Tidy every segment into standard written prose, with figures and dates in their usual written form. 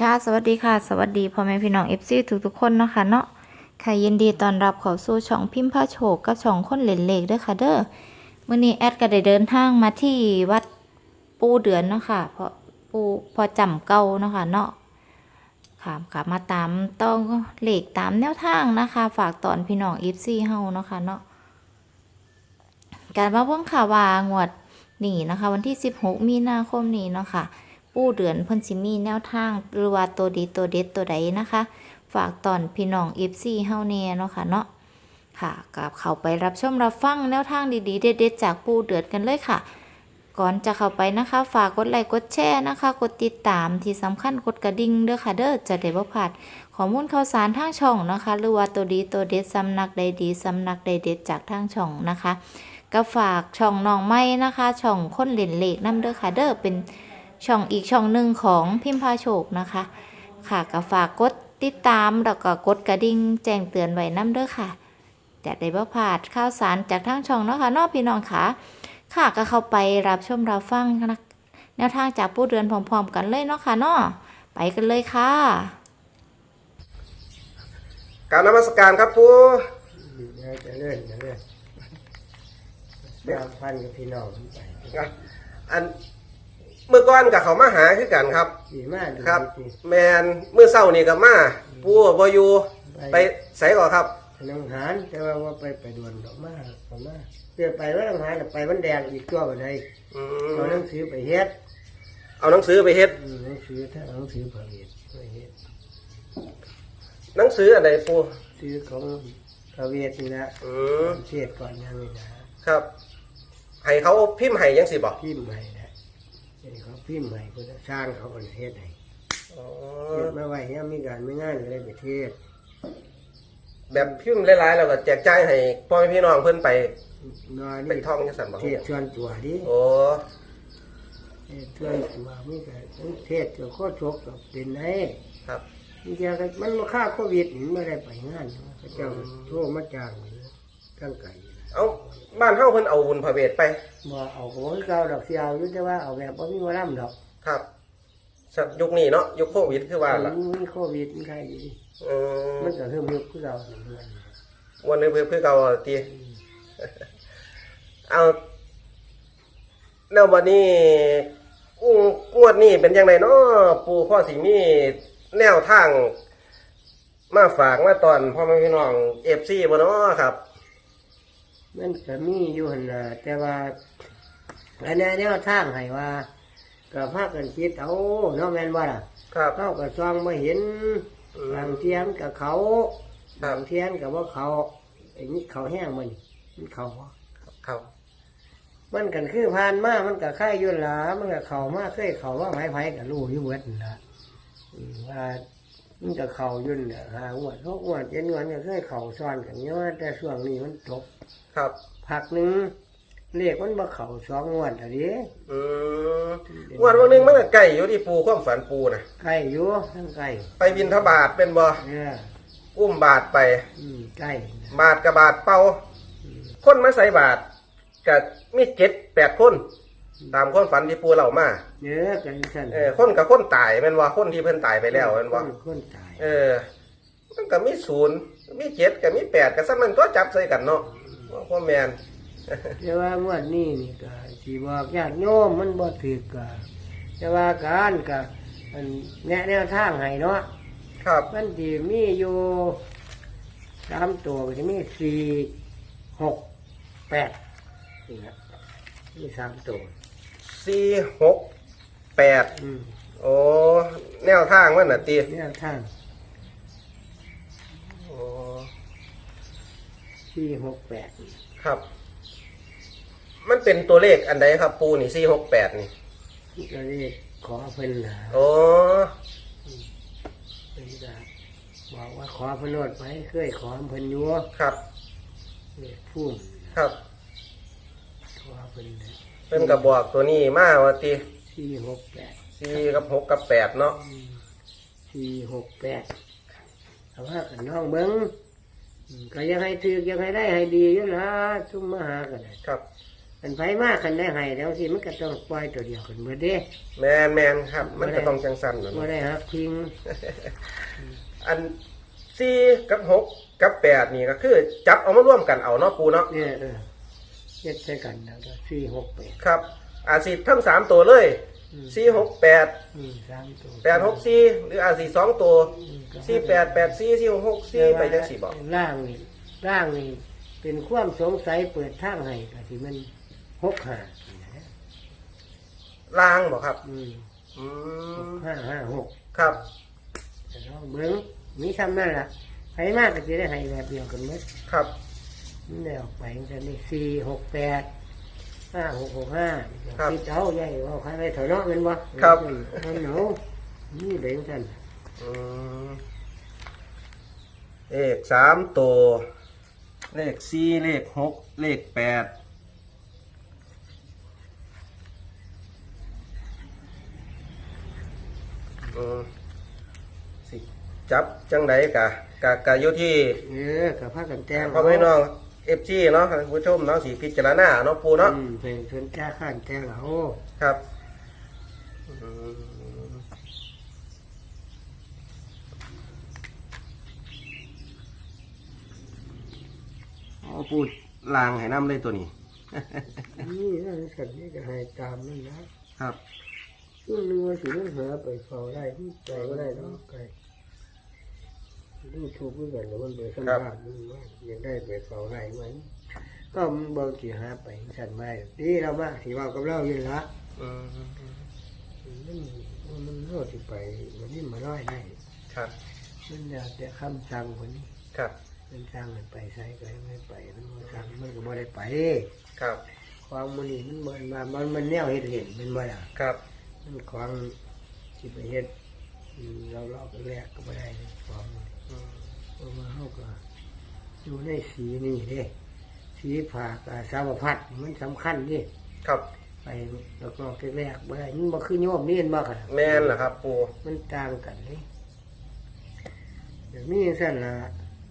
ค่ะสวัสดีค่ะสวัสดีพ่อแม่พี่น้องFC ทุกๆคนเนาะค่ะเนาะค่ะยินดีต้อนรับเข้าสู่ช่องพิมพ์ผ้าโชคกับช่องคนเล่นเลขด้วยค่ะเด้อมื้อนี้แอดก็ได้เดินทางมาที่วัดปูเดือนเนาะค่ะเพราะปูพอจำเก่าเนาะค่ะเนาะค่ะมาตามต้องเลขตามแนวทางนะคะ ฝากตอนพี่น้อง FC เฮาเนาะค่ะเนาะการมาเบิ่งค่ะว่างวดนี้นะคะวันที่16มีนาคมนี้เนาะค่ะปูเดือนเพิ่นสิมีแนวทางหรือว่าตัวดีตัวเด็ดตัวใดนะคะ ฝากตอนพี่น้อง FC เฮาแน่เนาะค่ะเนาะค่ะกับเข้าไปรับชมรับฟังแนวทางดีๆเด็ดๆจากปูเดือนกันเลยค่ะ ก่อนจะเข้าไปนะคะ ฝากกดไลค์กดแชร์นะคะ กดติดตามที่สำคัญกดกระดิ่งเด้อค่ะเด้อจะได้บ่พลาดข้อมูลข่าวสารทางช่องนะคะ หรือว่าตัวดีตัวเด็ดสำนักใดดีสำนักใดเด็ดจากทางช่องนะคะก็ฝากช่องน้องไม้นะคะ ช่องคนเล่นเลขนำเด้อค่ะเด้อเป็นช่องอีกช่องหนึ่งของพิมพ์พาโชคนะคะค่ะก็ฝากกดติดตามแล้วก็กดกระดิ่งแจ้งเตือนไว้นำเด้อค่ะจะได้บ่พลาดข่าวสารจากทางช่องเนาะค่ะเนาะพี่น้องค่ะค่ะก็เข้าไปรับชมรับฟังนะแนวทางจากผู้เดือนพร้อมๆกันเลยเนาะค่ะเนาะไปกันเลยค่ะกราบนมัสการครับปู่จะเลื่อนแบ่งพันกับพี่น้องไปอันเมื่อก่อนกับเขามาหาคือกันครับดีมากครับแมนเมื่อเช้านี่กับมาปู่บ่อยู่ไปไสก่อนครับน้องหานแต่ว่าไปด่วนดอกมาเพื่อไปว่าน้องหานไปมันแดงอีกตัวบ่ได้เอาหนังสือไปเฮ็ดเอาหนังสือไปเฮ็ดหนังสือถ้าหนังสือผลิตไปเฮ็ดหนังสืออะไรปู่ซื้อของพระเวทนี่นะเทศก่อนยังนี่นะครับให้เขาพิมพ์ให้ยังสิบอกพิมพ์ใหม่นะเขาพิมพ์ใหม่ก็จะสร้างเขาคนเฮ็ดให้เฮ็ดมาไว้เนี่ยมีการไม่ง่ายเลยไปเทศแบบพิมพ์หลายๆแล้วก็แจกจ่ายให้พ่อแม่พี่น้องเพิ่นไปเป็นท่องจังซั่นบ่เทศชวนตัวดิโอ้เทศชวนตัวมีการเทศจะโคตรชกกับเป็นไงครับนี่จะมันมาฆ่าโควิดไม่ได้ไปงานพระเจ้าโทรมาจ้างตั้งไก่เอาบ้านเฮาเพิ่นเอาบุญพระเวทไปบ่เอาของเก่าดอกเสียวยุ่งแต่ว่าเอาแบบบ่มีวาระดอกครับยุคนี้เนาะยุคโควิดคือว่าล่ะมีโควิดมันใครดีมันก็เพิ่มยุคคือเราวันนี้เพื่อเก่าตีเอาแล้ววันนี้งวดนี้เป็นยังไงเนาะปู่พ่อสิมีแนวทางมาฝากมาตอนพ่อแม่พี่น้องFCบ่เนาะครับมันก็มีอยู่หั่นน่ะแต่ว่าอันนี้แนวทางให้ว่าก็พากันคิดเอาเนาะแม่นบ่ล่ะครับเขาก็ซองบ่เห็นบางเทียนกับเขาบางเทียนกับว่าเขาไอ้นี่เขาแห้งมันเขามันกันคือผ่านมามันกับไข่ยุ่นหลามันกับเขามาเคยเขาว่าไผ่กับลูกยุ่งเวทนะว่ามันกับเขายุ่นหาหัวทุกหัวเจ็ดวันก็เคยเขาซ้อนกันเยอะแต่ช่วงนี้มันจบครับผักหนึ่งเรียกมันมาเขาสองวันอะไรวันนึงมันก็ไก่อยู่ที่ปูความฝันปูนะไก่อยู่ทั้งไก่ไปบินทบาทเป็นบ่อุ้มบาทไปไก่บาทกับบาทเป่าคนมาใส่บาทกับมี7-8คนตามความฝันที่ปูเล่ามากันสั่นคนกับคนตายเป็นว่าคนที่เพิ่นตายไปแล้วเป็นว่าคนตายมันก็มี0มี7กับมี8กับซ้ำมันก็จับใส่กันเนาะพ่อแม่นแต่ว่างวดนี้นี่ก็สิบอกญาติโยมมันบ่ถูกก็แต่ว่าการก็มันแนวทางให้เนาะครับมันสิมีอยู่3ตัวก็สิมี4 6 8นี่ครับมี3ตัว 4 6 8โอ้แนวทางมันน่ะติแนวทางโอ้ 4 6 8 ครับมันเป็นตัวเลขอันใดครับปูนี่468นี่ก็เลขขอเพิ่นน่ะโอ้เพิ่นก็บอกว่าขอเพิ่นโลดไปเคยขอเพิ่นอยู่ครับพุ่มครับขอเพิ่นก็บอกตัวนี้มาว่าติ 4 6 8 4กับ6กับ8เนาะ 4 6 8เอาว่ากันน้องเบิ่งก็ยังให้ถือยังให้ได้ให้ดีอยู่ล่ะทุกมหากันครับมันไผมากคันได้ให้แล้วสิมันก็ต้องปล่อยตัวเดียวกันเบิดเด้แมนครับ มันก็ต้องจังสั้นนะบ่ได้ฮักพิงอัน4กับ6กับ8นี่ก็คือ จับเอามาร่วมกันเอาเนาะปูเนาะเนี่ยเฮ็ดใส่กันแล้วก็4 6 8 ครับอาจสิทั้ง3ตัวเลย4 6 8 3ตัว 8 6 4หรืออาจสิ2ตัว4 8 8 4 4 6 6 4ไปจังซี่บ่ร่างนี่เป็นความสงสัยเปิดทางให้ก็สิมัน6-5นะล่างบ่ครับอืมอืม 5-5-6 ครับแต่ลองเบิ่งมีซ้ำนั่นล่ะไผมากก็สิได้ให้แบบเดียวกันหมดครับมันได้ออกไปจังได้4 6 8 5 6 6 5คิดเอาใหญ่เอาใครไปถอยเนาะแม่นบ่มันหนูนี่เบ่งซั่นอืมเลข3ตัวเลข4เลข6เลข8สิจับจังไดกะอยู่ที่กับพากันแต่งพ่อแม่น้องFG เนาะท่านผู้ชมเนาะสิพิจารณาเนาะปูเนาะเพลงเพิ่นจ้าข้านแต่งเอาครับเอาปูลางให้น้ำเลยตัวนี้นี่นั่นสัตว์นี่ก็ให้ตามนั่นนะครับ ช่วงนึงว่าสิมันหาไปเฝ้าได้ที่ใจก็ได้เนาะไกลดูถูกกันแล้วมันไปสัมภาษณ์มันว่ายังได้ไปเฝ้าได้ไหมก็มันบางทีหาไปสั่นไม่ดีเรามากสิว่ากับเราอยู่ละมันโลดที่ไปวันนี้มาร้อยได้ครับมันอยากจะคำสั่งคนนี้ครับมันสั่งมันไปใช้ก็ไม่ไปมันบ่สั่งมันก็บ่ได้ไปครับความมันนี่มันบ่มามันแนวเฮ็ดเห็นมันบ่ล่ะครับมันความที่ไปเฮ็ดเราไปแรกก็บ่ได้ความเพราะว่าเฮาก็อยู่ในสีนี่เด้สีผักสาวพัดมันสำคัญดิครับไปแล้วก็แรกบ่ได้มันบ่คือโยมนี่เห็นบ่ค่ะแม่นเหรอครับปูมันต่างกันเลยอย่างนี้สั่นล่ะ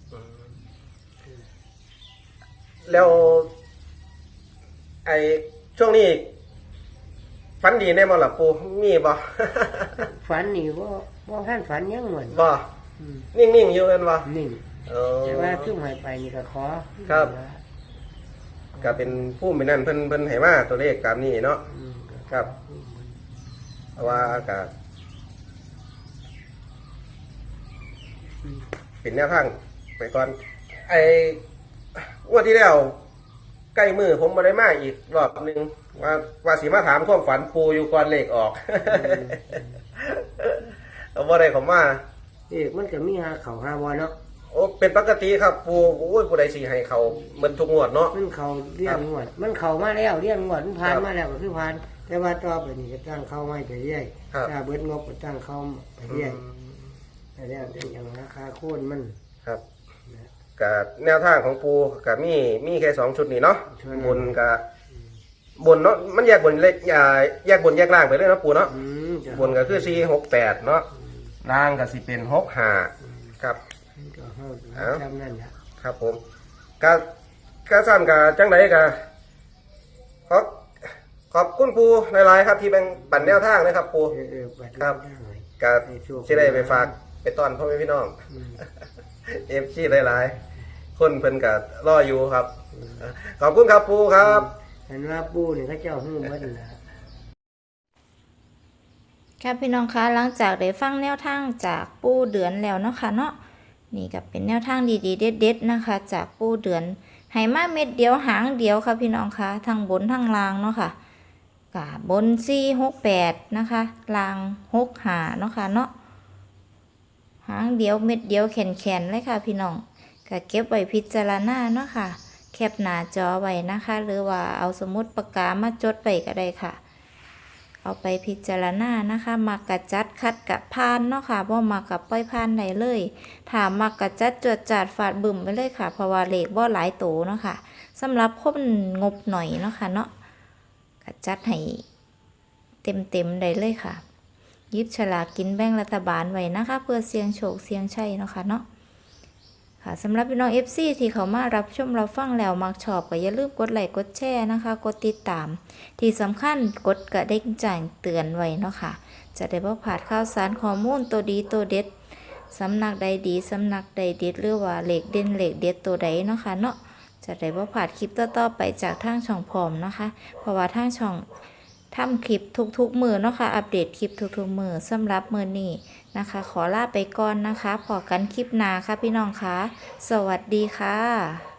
แล้วไอช่วงนี้ฝันดีได้บ่ล่ะปูมีบ่ฝันนี่บ่ทันฝันยังเหมือนบ่นิ่งๆอยู่กันบ่นิ่งเออแต่ว่าขึ้นหายไปนี่ก็ขอครับ ก็เป็นผู้มีนั่นเพิ่นให้มาตัวเลขตามนี้เนาะ ครับ เพราะว่าก็เป็นแนวทางไปก่อน ไอ้งวดที่แล้วใกล้มือผมมาได้มาอีกรอบหนึ่งว่าสิมาถามความฝันปูอยู่ก่อนเลขออก เอาบ่ได้เขอมามันก็มีหาเขาหาบ่เนาะโอ้เป็นปกติครับปูโอ้ยผู้ใดสิให้เขาเหมือนทุกงวดเนาะมันเขาเรียงงวดมันเขามาแล้วเรียงงวดมันผ่านครับมาแล้วก็คือผ่าน แต่ว่าต่อไปนี่ก็ตั้งเข้าไม่ไปเรื่อยครับถ้าเบิดงบก็ตั้งเข้าไปเรื่อยแต่แล้วแต่อย่างราคาโค่นมันครับกับแนวทางของปูกับมีแค่2 ชุดนี่เนาะใช่บนกับบนเนาะมันแยกบนเล็กแยกบนแยกล่างไปเลยเนาะปูเนาะจะบนก็คือ4 6 8เนาะล่างก็สิเป็น6 5ครับมันก็เฮาเอ้าจำนั่นแหละครับผมก็สั้นกับจังไดก็ขอบคุณปูหลายๆครับ ที่แบ่งปันแนวทางนะครับปูบัดครับได้ก็สิได้ไปฝากไปต้อนพ่อแม่พี่น้อง FC หลายๆคนเพิ่นก็รออยู่ครับ ขอบคุณครับปูครับเห็นว่าปู่นี่เขาเจ้าฮู้หมดล่ะค่ะพี่น้องคะหลังจากได้ฟังแนวทางจากปูเดือนแล้วเนาะค่ะเนาะนี่ก็เป็นแนวทางดีๆเด็ดๆนะคะ จากปูเดือนให้มาเม็ดเดียวหางเดียวค่ะพี่น้องคะทั้งบนทั้งล่างเนาะค่ะกะบน468นะคะล่าง65เนาะค่ะเนาะหางเดียวเม็ดเดียวแขนๆเลยค่ะพี่น้องก็เก็บไว้พิจารณาเนาะค่ะแคปหน้าจอไว้นะคะ หรือว่าเอาสมุดปากกามาจดไปก็ได้ค่ะ เอาไปพิจารณานะคะมักกะจัดคัดกะพานเนาะค่ะบ่มักกะปล่อยพานได้เลยถ้ามักกะจัดจวดจาดฟาดบึ้มไปเลยค่ะเพราะว่าเลขบ่หลายโตเนาะค่ะสำหรับคนงบหน่อยเนาะค่ะเนาะกะจัดให้เต็มได้เลยค่ะหยิบฉลากกินแบ่งรัฐบาลไว้นะคะ เพื่อเสี่ยงโชคเสี่ยงชัยเนาะค่ะเนาะค่ะค่ะสำหรับพี่น้อง FC ที่เขามารับชมรับฟังแล้วมักชอบก็อย่าลืมกดไลค์กดแชร์นะคะกดติดตามที่สำคัญกดกระดิ่งแจ้งเตือนไว้เนาะค่ะจะได้บ่พลาดข่าวสารข้อมูลตัวดีตัวเด็ดสำนักใดดีสำนักใดเด็ดหรือว่าเลขเด่นเลขเด็ดตัวใดเนาะค่ะเนาะจะได้บ่พลาดคลิปต่อๆไปจากทางช่องพร้อมนะคะเพราะว่าทางช่องทำคลิปทุกๆมือเนาะค่ะอัปเดตคลิปทุกๆมือสำหรับมือนี้นะคะขอลาไปก่อนนะคะพอกันคลิปหน้าค่ะพี่น้องคะสวัสดีค่ะ